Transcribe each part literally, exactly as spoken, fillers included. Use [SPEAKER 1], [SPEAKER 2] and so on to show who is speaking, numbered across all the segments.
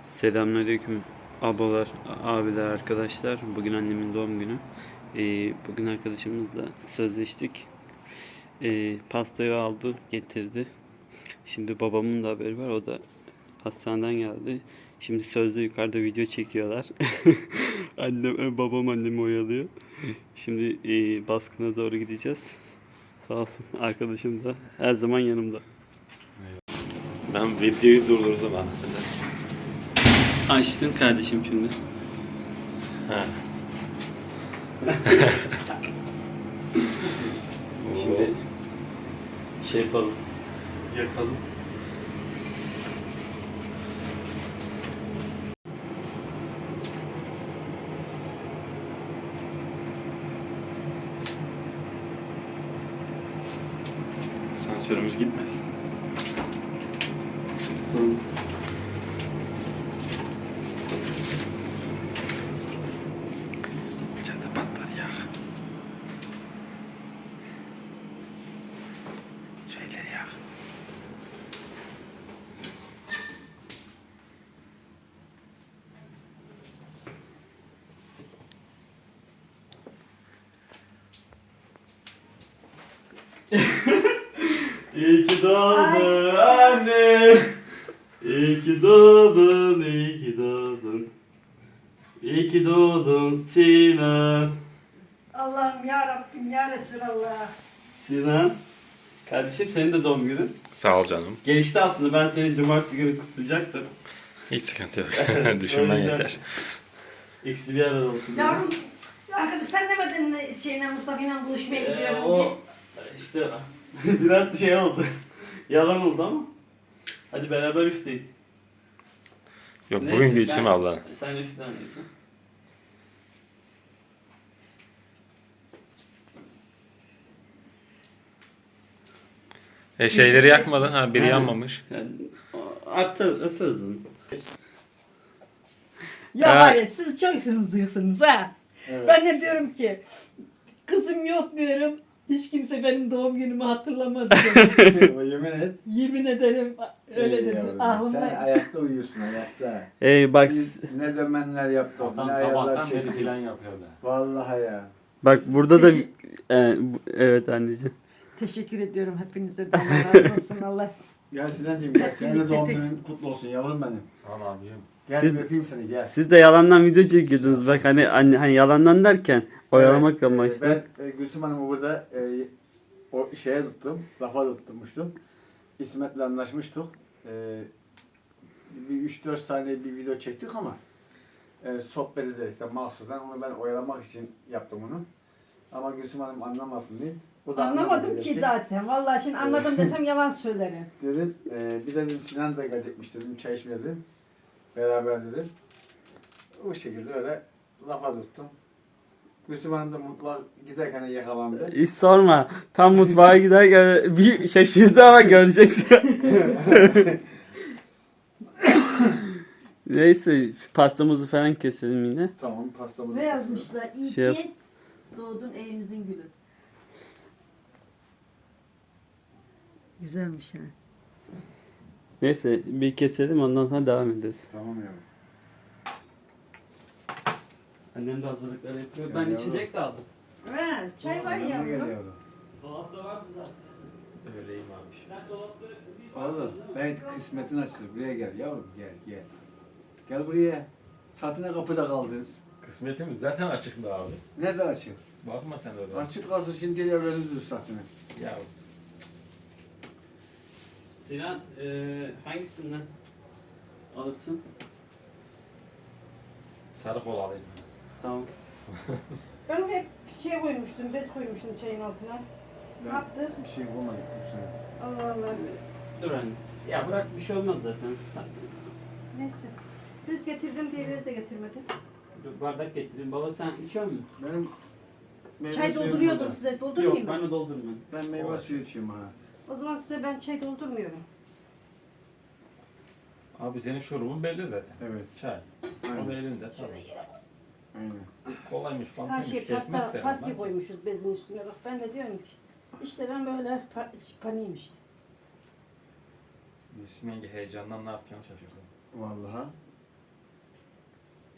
[SPEAKER 1] Selamünaleyküm ablalar, abiler, arkadaşlar. Bugün annemin doğum günü. Ee, bugün arkadaşımızla sözleştik. Ee, pastayı aldı, getirdi. Şimdi babamın da haberi var. O da hastaneden geldi. Şimdi sözde yukarıda video çekiyorlar. Annem, e, babam annemi oyalıyor. Şimdi e, baskına doğru gideceğiz. Sağ olsun arkadaşım da her zaman yanımda.
[SPEAKER 2] Ben videoyu durdurdum aslında.
[SPEAKER 1] Açtın kardeşim şimdi.
[SPEAKER 2] Ha.
[SPEAKER 1] Şimdi şey yapalım. Yakalım.
[SPEAKER 2] Sensörümüz gitmesin.
[SPEAKER 1] Son.
[SPEAKER 2] İçeride patlar ya. Şeyleri ya.
[SPEAKER 1] İyi ki doğdun anne. İyi ki doğdun, iyi ki doğdun. İyi ki doğdun Sinan.
[SPEAKER 3] Allah'ım ya Rabbim ya Resulallah.
[SPEAKER 1] Sinan. Kardeşim senin de doğum günün.
[SPEAKER 2] Sağ ol canım.
[SPEAKER 1] Geçti aslında, ben seni cumartesi günü kutlayacaktım.
[SPEAKER 2] Hiç sıkıntı yok. Düşünmen
[SPEAKER 1] Öyle
[SPEAKER 2] yeter.
[SPEAKER 1] Eksi bir arada olsun.
[SPEAKER 3] Yavrum, arkadaş sen demedin mi şeyle Mustafa'yla buluşmaya
[SPEAKER 1] Ee,
[SPEAKER 3] gidiyorum diye.
[SPEAKER 1] o işte biraz şey oldu. Yalan oldu ama. Hadi beraber üfleyin.
[SPEAKER 2] Yok
[SPEAKER 1] Neyse,
[SPEAKER 2] bugün
[SPEAKER 1] sen-
[SPEAKER 2] geçeyim abla.
[SPEAKER 1] Sen üfle anneciğim.
[SPEAKER 2] E şeyleri yakmadın ha biri
[SPEAKER 1] He.
[SPEAKER 2] yanmamış.
[SPEAKER 1] Yani, artır, atarız onu.
[SPEAKER 3] Ya
[SPEAKER 2] Ha.
[SPEAKER 3] var ya siz çok hızlısınız ha.
[SPEAKER 1] Evet.
[SPEAKER 3] Ben de diyorum ki kızım yok diyorum. Hiç kimse benim doğum günümü hatırlamadı.
[SPEAKER 4] Yemin et.
[SPEAKER 3] Yemin ederim öyle
[SPEAKER 4] Ey
[SPEAKER 3] dedi.
[SPEAKER 4] yavrum, Sen
[SPEAKER 3] Aklımda.
[SPEAKER 4] ayakta uyuyorsun ayakta.
[SPEAKER 1] Ey bak,
[SPEAKER 4] Biz ne dömenler yaptık, ne
[SPEAKER 2] Adam
[SPEAKER 4] ayarlar
[SPEAKER 2] sabahtan beri
[SPEAKER 4] çektik.
[SPEAKER 2] plan yapıyordu.
[SPEAKER 4] Vallahi ya.
[SPEAKER 1] bak burada da
[SPEAKER 3] Teşekkür-
[SPEAKER 1] e, bu- evet anneciğim.
[SPEAKER 3] Teşekkür ediyorum hepinize de. Allah razı olsun Allah.
[SPEAKER 4] Gel Sinancığım gel. Senin de
[SPEAKER 3] Kesinlikle
[SPEAKER 4] doğum
[SPEAKER 3] tek-
[SPEAKER 4] günün kutlu olsun yavrum benim.
[SPEAKER 2] Sağ ol abicim.
[SPEAKER 4] Gel
[SPEAKER 1] Siz-
[SPEAKER 4] bir öpeyim seni gel.
[SPEAKER 1] Siz de yalandan video çekiyordunuz bak, hani hani, hani yalandan derken oyalamak
[SPEAKER 4] Evet,
[SPEAKER 1] amaçlı.
[SPEAKER 4] e, Ben e, Gülsüm Hanım'ı burada e, o şeye tuttum, lafa tutmuştum. İsmet'le anlaşmıştık. E, bir üç dört saniye bir video çektik ama e, sohbet ederken mahsusen onu ben oyalamak için yaptım onu. Ama Gülsüm Hanım anlamasın diye. Bu da
[SPEAKER 3] Anlamadım
[SPEAKER 4] anlamadı
[SPEAKER 3] ki
[SPEAKER 4] gerçi.
[SPEAKER 3] zaten. Vallahi şimdi anladım desem yalan söylerim.
[SPEAKER 4] Dedim, e, bir dedim Sinan da gelecekmiş dedim, çay içmeye dedim. Beraber dedim. O şekilde öyle lafa tuttum. Gülsüm Hanım da mutfağa giderken yakalandı.
[SPEAKER 1] Hiç sorma. Tam mutfağa giderken bir şaşırdı ama göreceksin. Neyse, pastamızı falan keselim yine.
[SPEAKER 4] Tamam pastamızı
[SPEAKER 3] Ne
[SPEAKER 4] kesiyoruz.
[SPEAKER 3] yazmışlar? İyi
[SPEAKER 1] Şey yap-
[SPEAKER 3] ki doğdun evimizin gülü. Güzelmiş ha.
[SPEAKER 1] Neyse bir keselim, ondan sonra devam ederiz.
[SPEAKER 4] Tamam yavrum.
[SPEAKER 1] Annem de hazırlıkları yapıyor.
[SPEAKER 4] Ya
[SPEAKER 1] Ben
[SPEAKER 4] yavrum.
[SPEAKER 1] içecek de aldım.
[SPEAKER 3] Ha, çay var
[SPEAKER 4] Yanına gel
[SPEAKER 3] ya.
[SPEAKER 4] yavrum.
[SPEAKER 1] Dolapta vardı zaten.
[SPEAKER 2] Öyleyim abi.
[SPEAKER 1] Ben dolapta
[SPEAKER 4] Oğlum ben kısmetin açılır. Buraya gel yavrum gel gel. Gel buraya. Satına kapıda kaldınız.
[SPEAKER 2] Kısmetimiz zaten açıktı abi.
[SPEAKER 4] Nerede açık?
[SPEAKER 2] Bakma sen öyle.
[SPEAKER 4] Açık kalsın şimdi gel evleniriz satına.
[SPEAKER 2] Ya
[SPEAKER 1] Sinan, eee hangisinden alırsın?
[SPEAKER 2] sarı kol alayım.
[SPEAKER 1] Tamam.
[SPEAKER 3] Ben hep şey koymuştum, bez koymuştum çayın altına. Ne
[SPEAKER 4] Ben
[SPEAKER 3] yaptık?
[SPEAKER 4] Bir şey bulmadım.
[SPEAKER 3] Allah Allah.
[SPEAKER 1] Dur anne. Ya bırak, bir şey olmaz zaten.
[SPEAKER 3] Neyse. Bez getirdim diye bez de getirmedi.
[SPEAKER 1] Dur, bardak getireyim. Baba sen içiyor musun?
[SPEAKER 4] Benim meyve
[SPEAKER 3] Çay
[SPEAKER 4] suyum
[SPEAKER 3] dolduruyordum
[SPEAKER 4] burada.
[SPEAKER 3] size.
[SPEAKER 1] Yok,
[SPEAKER 3] Doldurmayayım
[SPEAKER 1] ben
[SPEAKER 3] mı?
[SPEAKER 1] de doldurmam.
[SPEAKER 4] Ben meyve suyu içiyorum ha.
[SPEAKER 3] O zaman size ben çay doldurmuyorum.
[SPEAKER 2] Abi senin şurubun belli zaten.
[SPEAKER 4] Evet.
[SPEAKER 2] Çay. O da
[SPEAKER 4] Aynen.
[SPEAKER 2] elinde. Tamam.
[SPEAKER 4] Aynen.
[SPEAKER 2] Kolaymış
[SPEAKER 3] Her
[SPEAKER 2] fantaymış.
[SPEAKER 3] şey
[SPEAKER 2] Kesmez
[SPEAKER 3] pasta,
[SPEAKER 2] seni.
[SPEAKER 3] pasta koymuşuz bezin üstüne. Bak ben de diyorum ki işte ben böyle pa paniyim işte.
[SPEAKER 2] Yusuf yenge heyecandan ne yapacağını şaşırdı.
[SPEAKER 4] Vallahi.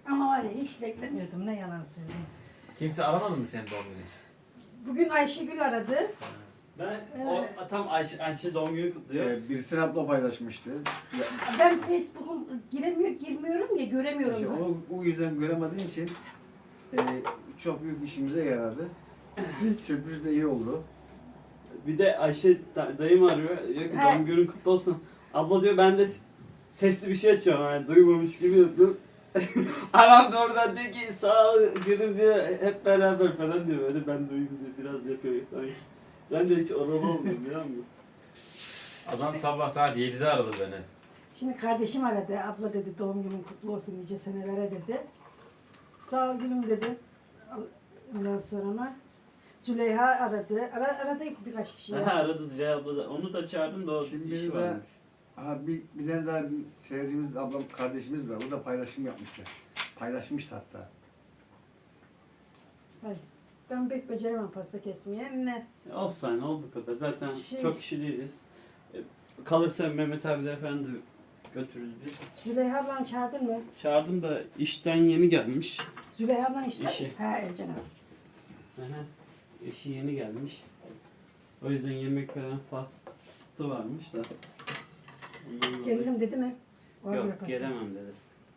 [SPEAKER 3] Ama var ya hiç beklemiyordum, ne yalan söyleyeyim.
[SPEAKER 2] Kimse aramadı mı senin doğum günü için?
[SPEAKER 3] Bugün Ayşegül aradı.
[SPEAKER 1] Ben o tam Ayşe, Ayşe doğum günü kutluyor.
[SPEAKER 4] Ee, birisi abla paylaşmıştı. Ya,
[SPEAKER 3] Ben Facebook'um giremiyor, girmiyorum ya, göremiyorum.
[SPEAKER 4] işte o, o yüzden göremediğin için e, çok büyük işimize yaradı. Sürpriz de iyi oldu.
[SPEAKER 1] Bir de Ayşe da- dayım arıyor. Diyor ki
[SPEAKER 3] He.
[SPEAKER 1] doğum günün kutlu olsun. Abla diyor ben de s- sesli bir şey açıyorum. Yani duymamış gibi yapıyorum. Anam da oradan diyor ki sağ ol gülüm diyor hep beraber falan diyor. Böyle ben duyayım diyor biraz yapıyor sanki. Ben de hiç oralı olmuyorum biliyor musun?
[SPEAKER 2] Adam sabah saat yedide aradı beni.
[SPEAKER 3] Şimdi kardeşim aradı. Abla dedi doğum günün kutlu olsun nice senelere dedi. Sağ ol gülüm dedi. Ondan sonra ama Züleyha aradı. Ara, aradı birkaç kişi.
[SPEAKER 1] Aha aradı Züleyha abla da. Onu da çağırdım da o
[SPEAKER 4] Şimdi
[SPEAKER 1] işi
[SPEAKER 4] bir de
[SPEAKER 1] varmış.
[SPEAKER 4] aha, bir, bir tane daha bir seyircimiz, ablam, kardeşimiz var. O da paylaşım yapmıştı. Paylaşmıştı hatta.
[SPEAKER 3] Ay, ben pek beceremem pasta kesmeye. Ne?
[SPEAKER 1] Olsun hani oldu kadar. Zaten
[SPEAKER 3] Şey-
[SPEAKER 1] çok kişi değiliz. E, Kalırsa Mehmet abiler falan da götürürüz biz.
[SPEAKER 3] Züleyha ablanı çağırdın mı?
[SPEAKER 1] Çağırdım da işten yeni gelmiş.
[SPEAKER 3] Züleyha ablan işte.
[SPEAKER 1] İşi.
[SPEAKER 3] He Ercan abi.
[SPEAKER 1] Aha. Eşi yeni gelmiş. O yüzden yemek falan pastı varmış da. Ondan dolayı-
[SPEAKER 3] Gelirim dedi mi? Var
[SPEAKER 1] Yok
[SPEAKER 3] bir pasta.
[SPEAKER 1] gelemem dedi.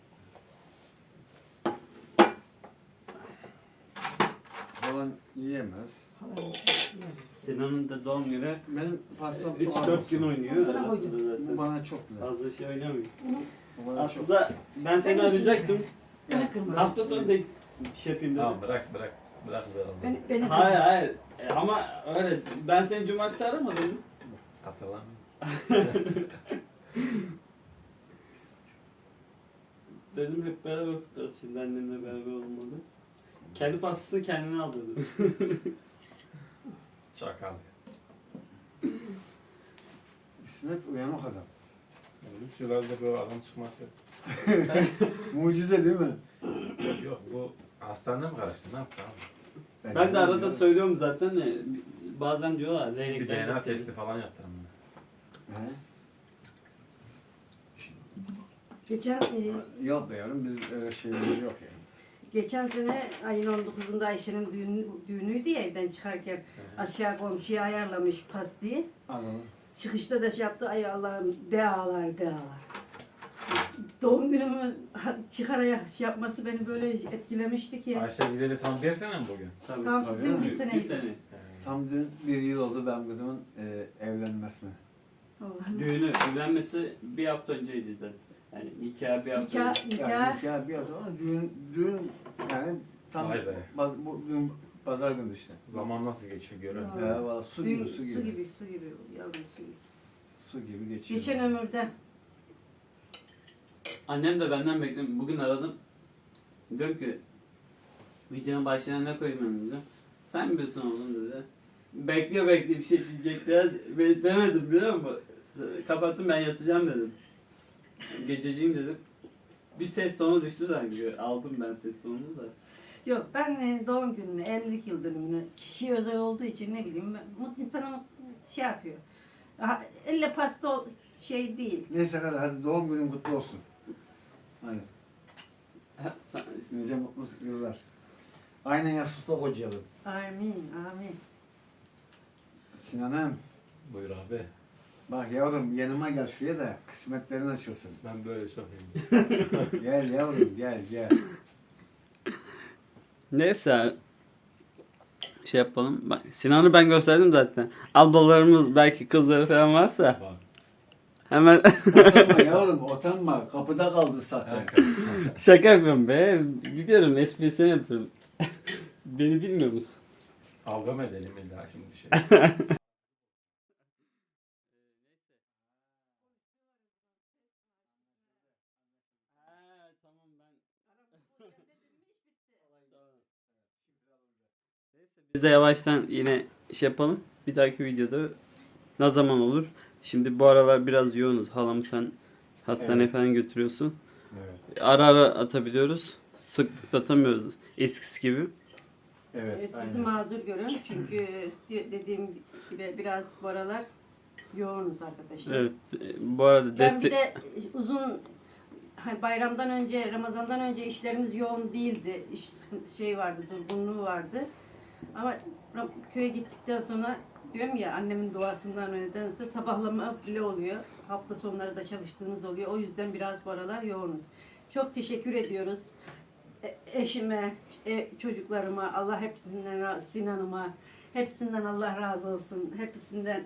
[SPEAKER 4] Falan yiyemez.
[SPEAKER 3] Falan.
[SPEAKER 1] Sinan'ın da doğum günü
[SPEAKER 4] Benim pastam çok
[SPEAKER 1] üç
[SPEAKER 4] az
[SPEAKER 1] dört
[SPEAKER 4] olsun.
[SPEAKER 1] gün oynuyor
[SPEAKER 3] Hazıra
[SPEAKER 1] arasında
[SPEAKER 3] koydum.
[SPEAKER 4] Bu
[SPEAKER 1] zaten.
[SPEAKER 4] bana çok güzel.
[SPEAKER 1] Fazla şey oynamıyor.
[SPEAKER 4] Bu bana çok
[SPEAKER 1] Aslında ben seni
[SPEAKER 3] Benim için
[SPEAKER 1] arayacaktım.
[SPEAKER 3] Beni kırma.
[SPEAKER 1] Hafta sonu tek şey yapayım dedim.
[SPEAKER 2] Tamam bırak bırak. Bırak be oğlum.
[SPEAKER 3] Beni, beni kırma.
[SPEAKER 1] Hayır hayır. E, ama öyle ben seni cumartesi aramadım mı?
[SPEAKER 2] Hatırlamıyorum.
[SPEAKER 1] Dedim hep beraber kutlarız şimdi annemle beraber olmadı. Kendi pastasını kendine al dedim.
[SPEAKER 2] Çakal.
[SPEAKER 4] İsmet uyanık adam.
[SPEAKER 2] Bizim şuralarda böyle adam çıkması.
[SPEAKER 4] Mucize değil mi?
[SPEAKER 2] Yok yok bu hastaneye mi karıştı ne yaptı abi?
[SPEAKER 1] Ben de arada söylüyorum zaten de bazen diyorlar
[SPEAKER 2] Bir
[SPEAKER 1] leylekler
[SPEAKER 2] D N A
[SPEAKER 1] getirin.
[SPEAKER 2] testi falan yaptırın.
[SPEAKER 4] He?
[SPEAKER 3] Geçen, e,
[SPEAKER 4] Yok be yavrum, biz öyle şeyimiz yok yani.
[SPEAKER 3] geçen sene ayın on dokuzunda Ayşe'nin düğünü, düğünüydü ya, evden çıkarken aşağı komşuya ayarlamış pastayı.
[SPEAKER 4] Anladım.
[SPEAKER 3] Çıkışta da şey yaptı, ay Allah'ım dealar dealar. Doğum günümü ha- çıkararak şey yapması beni böyle etkilemişti ki.
[SPEAKER 2] Ayşe gideli tam bir sene mi bugün?
[SPEAKER 1] Tabii.
[SPEAKER 3] Tam
[SPEAKER 4] tabii
[SPEAKER 3] dün
[SPEAKER 4] değil
[SPEAKER 3] bir
[SPEAKER 4] mi?
[SPEAKER 3] sene.
[SPEAKER 1] Bir sene.
[SPEAKER 4] Tam dün bir yıl oldu benim kızımın e, evlenmesine.
[SPEAKER 3] Allah'ım.
[SPEAKER 1] Düğünü, evlenmesi bir hafta önceydi zaten. Yani nikah bir hafta
[SPEAKER 3] Nikah,
[SPEAKER 1] önce.
[SPEAKER 3] nikah.
[SPEAKER 4] Yani nikah bir hafta sonra düğün, düğün yani tam
[SPEAKER 2] Vay be.
[SPEAKER 4] baz, bu düğün pazar günü işte.
[SPEAKER 2] Zaman nasıl geçiyor görün.
[SPEAKER 3] Vallahi.
[SPEAKER 4] Ya valla su
[SPEAKER 3] Düğün-
[SPEAKER 4] gibi su gibi.
[SPEAKER 3] Su gibi, su gibi yavrum su gibi.
[SPEAKER 4] Su gibi geçiyor.
[SPEAKER 3] Geçen ömürde
[SPEAKER 1] Annem de benden bekledim. Bugün aradım. Diyorum ki videonun başına ne koyayım ben dedim. Sen mi biliyorsun oğlum dedi. Bekliyor bekliyor bir şey diyecekler. Ben demedim biliyor musun? Kapattım ben yatacağım dedim. Gececiğim dedim. Bir ses tonu düştü sanki. Aldım ben ses tonunu da.
[SPEAKER 3] yok, ben e, doğum gününü, evlilik yıl dönümünü kişiye özel olduğu için ne bileyim ben- mutlu insana şey yapıyor. Ha, elle pasta ol- şey değil.
[SPEAKER 4] Neyse hadi, hadi doğum günün kutlu olsun. Hadi.
[SPEAKER 1] Sen-
[SPEAKER 4] Nice mutlu yıllar. Aynen yastıkta kocayalım.
[SPEAKER 3] Amin, amin.
[SPEAKER 4] Sinan'ım
[SPEAKER 2] Buyur abi.
[SPEAKER 4] bak yavrum yanıma gel şuraya da kısmetlerin açılsın.
[SPEAKER 2] Ben böyle çok iyiyim.
[SPEAKER 4] Gel yavrum gel gel.
[SPEAKER 1] Neyse şey yapalım. Bak Sinan'ı ben gösterdim zaten. Ablalarımız belki kızları falan varsa
[SPEAKER 2] Bak.
[SPEAKER 1] hemen
[SPEAKER 4] Utanma yavrum utanma. Kapıda kaldı zaten.
[SPEAKER 1] şaka yapıyorum be. Biliyorum esprisini yapıyorum. Beni bilmiyor musun?
[SPEAKER 2] Kavga mı edelim illa şimdi bir şey.
[SPEAKER 1] Biz de yavaştan yine şey yapalım. Bir dahaki videoda ne zaman olur? Şimdi bu aralar biraz yoğunuz. Halamı sen hastaneye
[SPEAKER 4] Evet.
[SPEAKER 1] falan götürüyorsun.
[SPEAKER 2] Evet.
[SPEAKER 1] Ara ara atabiliyoruz. Sıklıkla atamıyoruz eskisi gibi.
[SPEAKER 4] Evet,
[SPEAKER 3] Evet, bizi
[SPEAKER 4] aynen.
[SPEAKER 3] mazur görün çünkü de- dediğim gibi biraz bu aralar yoğunuz arkadaşlar.
[SPEAKER 1] Evet. e, Bu arada
[SPEAKER 3] Ben
[SPEAKER 1] destek...
[SPEAKER 3] bir de uzun
[SPEAKER 5] hani bayramdan önce, Ramazan'dan önce işlerimiz yoğun değildi. İş sıkıntı- şey vardı, durgunluğu vardı. Ama Ram- köye gittikten sonra diyorum ya annemin duasından nedense sabahlama bile oluyor. Hafta sonları da çalıştığımız oluyor. O yüzden biraz bu aralar yoğunuz. Çok teşekkür ediyoruz. E- eşime, e- çocuklarıma, Allah hepsinden, ra- Sinan'ıma, hepsinden Allah razı olsun. Hepsinden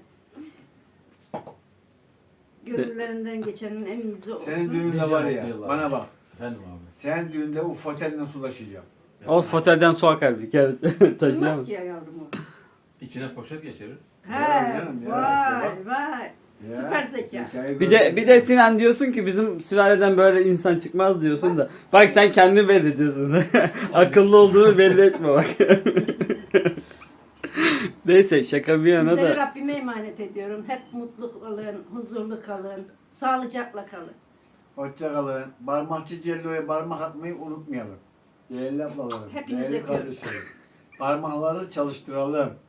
[SPEAKER 5] gönüllerinden geçenin en iyisi olsun.
[SPEAKER 4] Senin düğünde
[SPEAKER 2] Nice
[SPEAKER 4] var ya,
[SPEAKER 2] mutlu yıllar.
[SPEAKER 4] bana bak.
[SPEAKER 2] Efendim abi.
[SPEAKER 4] Senin düğünde o fotel nasıl ulaşacağım?
[SPEAKER 1] O fotelden su akar bir kere
[SPEAKER 5] Olmaz
[SPEAKER 1] taşıyamaz.
[SPEAKER 5] ki ya yavrum o.
[SPEAKER 2] İçine poşet geçirir.
[SPEAKER 5] He,
[SPEAKER 4] canım ya,
[SPEAKER 5] vay
[SPEAKER 4] işte
[SPEAKER 5] vay. Süper zeka.
[SPEAKER 4] zekayı
[SPEAKER 1] Bir de
[SPEAKER 4] gördün
[SPEAKER 1] bir
[SPEAKER 4] mü?
[SPEAKER 1] de Sinan diyorsun ki bizim sülaleden böyle insan çıkmaz diyorsun da. Bak sen kendin belli ediyorsun. Akıllı olduğunu belli etme bak. Neyse şaka bir yana
[SPEAKER 5] Sizleri
[SPEAKER 1] da.
[SPEAKER 5] Rabbime emanet ediyorum. Hep mutlu kalın, huzurlu kalın, sağlıcakla kalın.
[SPEAKER 4] Hoşça kalın. Parmakçı Cello'ya parmak atmayı unutmayalım. Değerli ablalarım,
[SPEAKER 5] Hepiniz
[SPEAKER 4] değerli
[SPEAKER 5] yapıyoruz.
[SPEAKER 4] kardeşlerim. Parmakları çalıştıralım.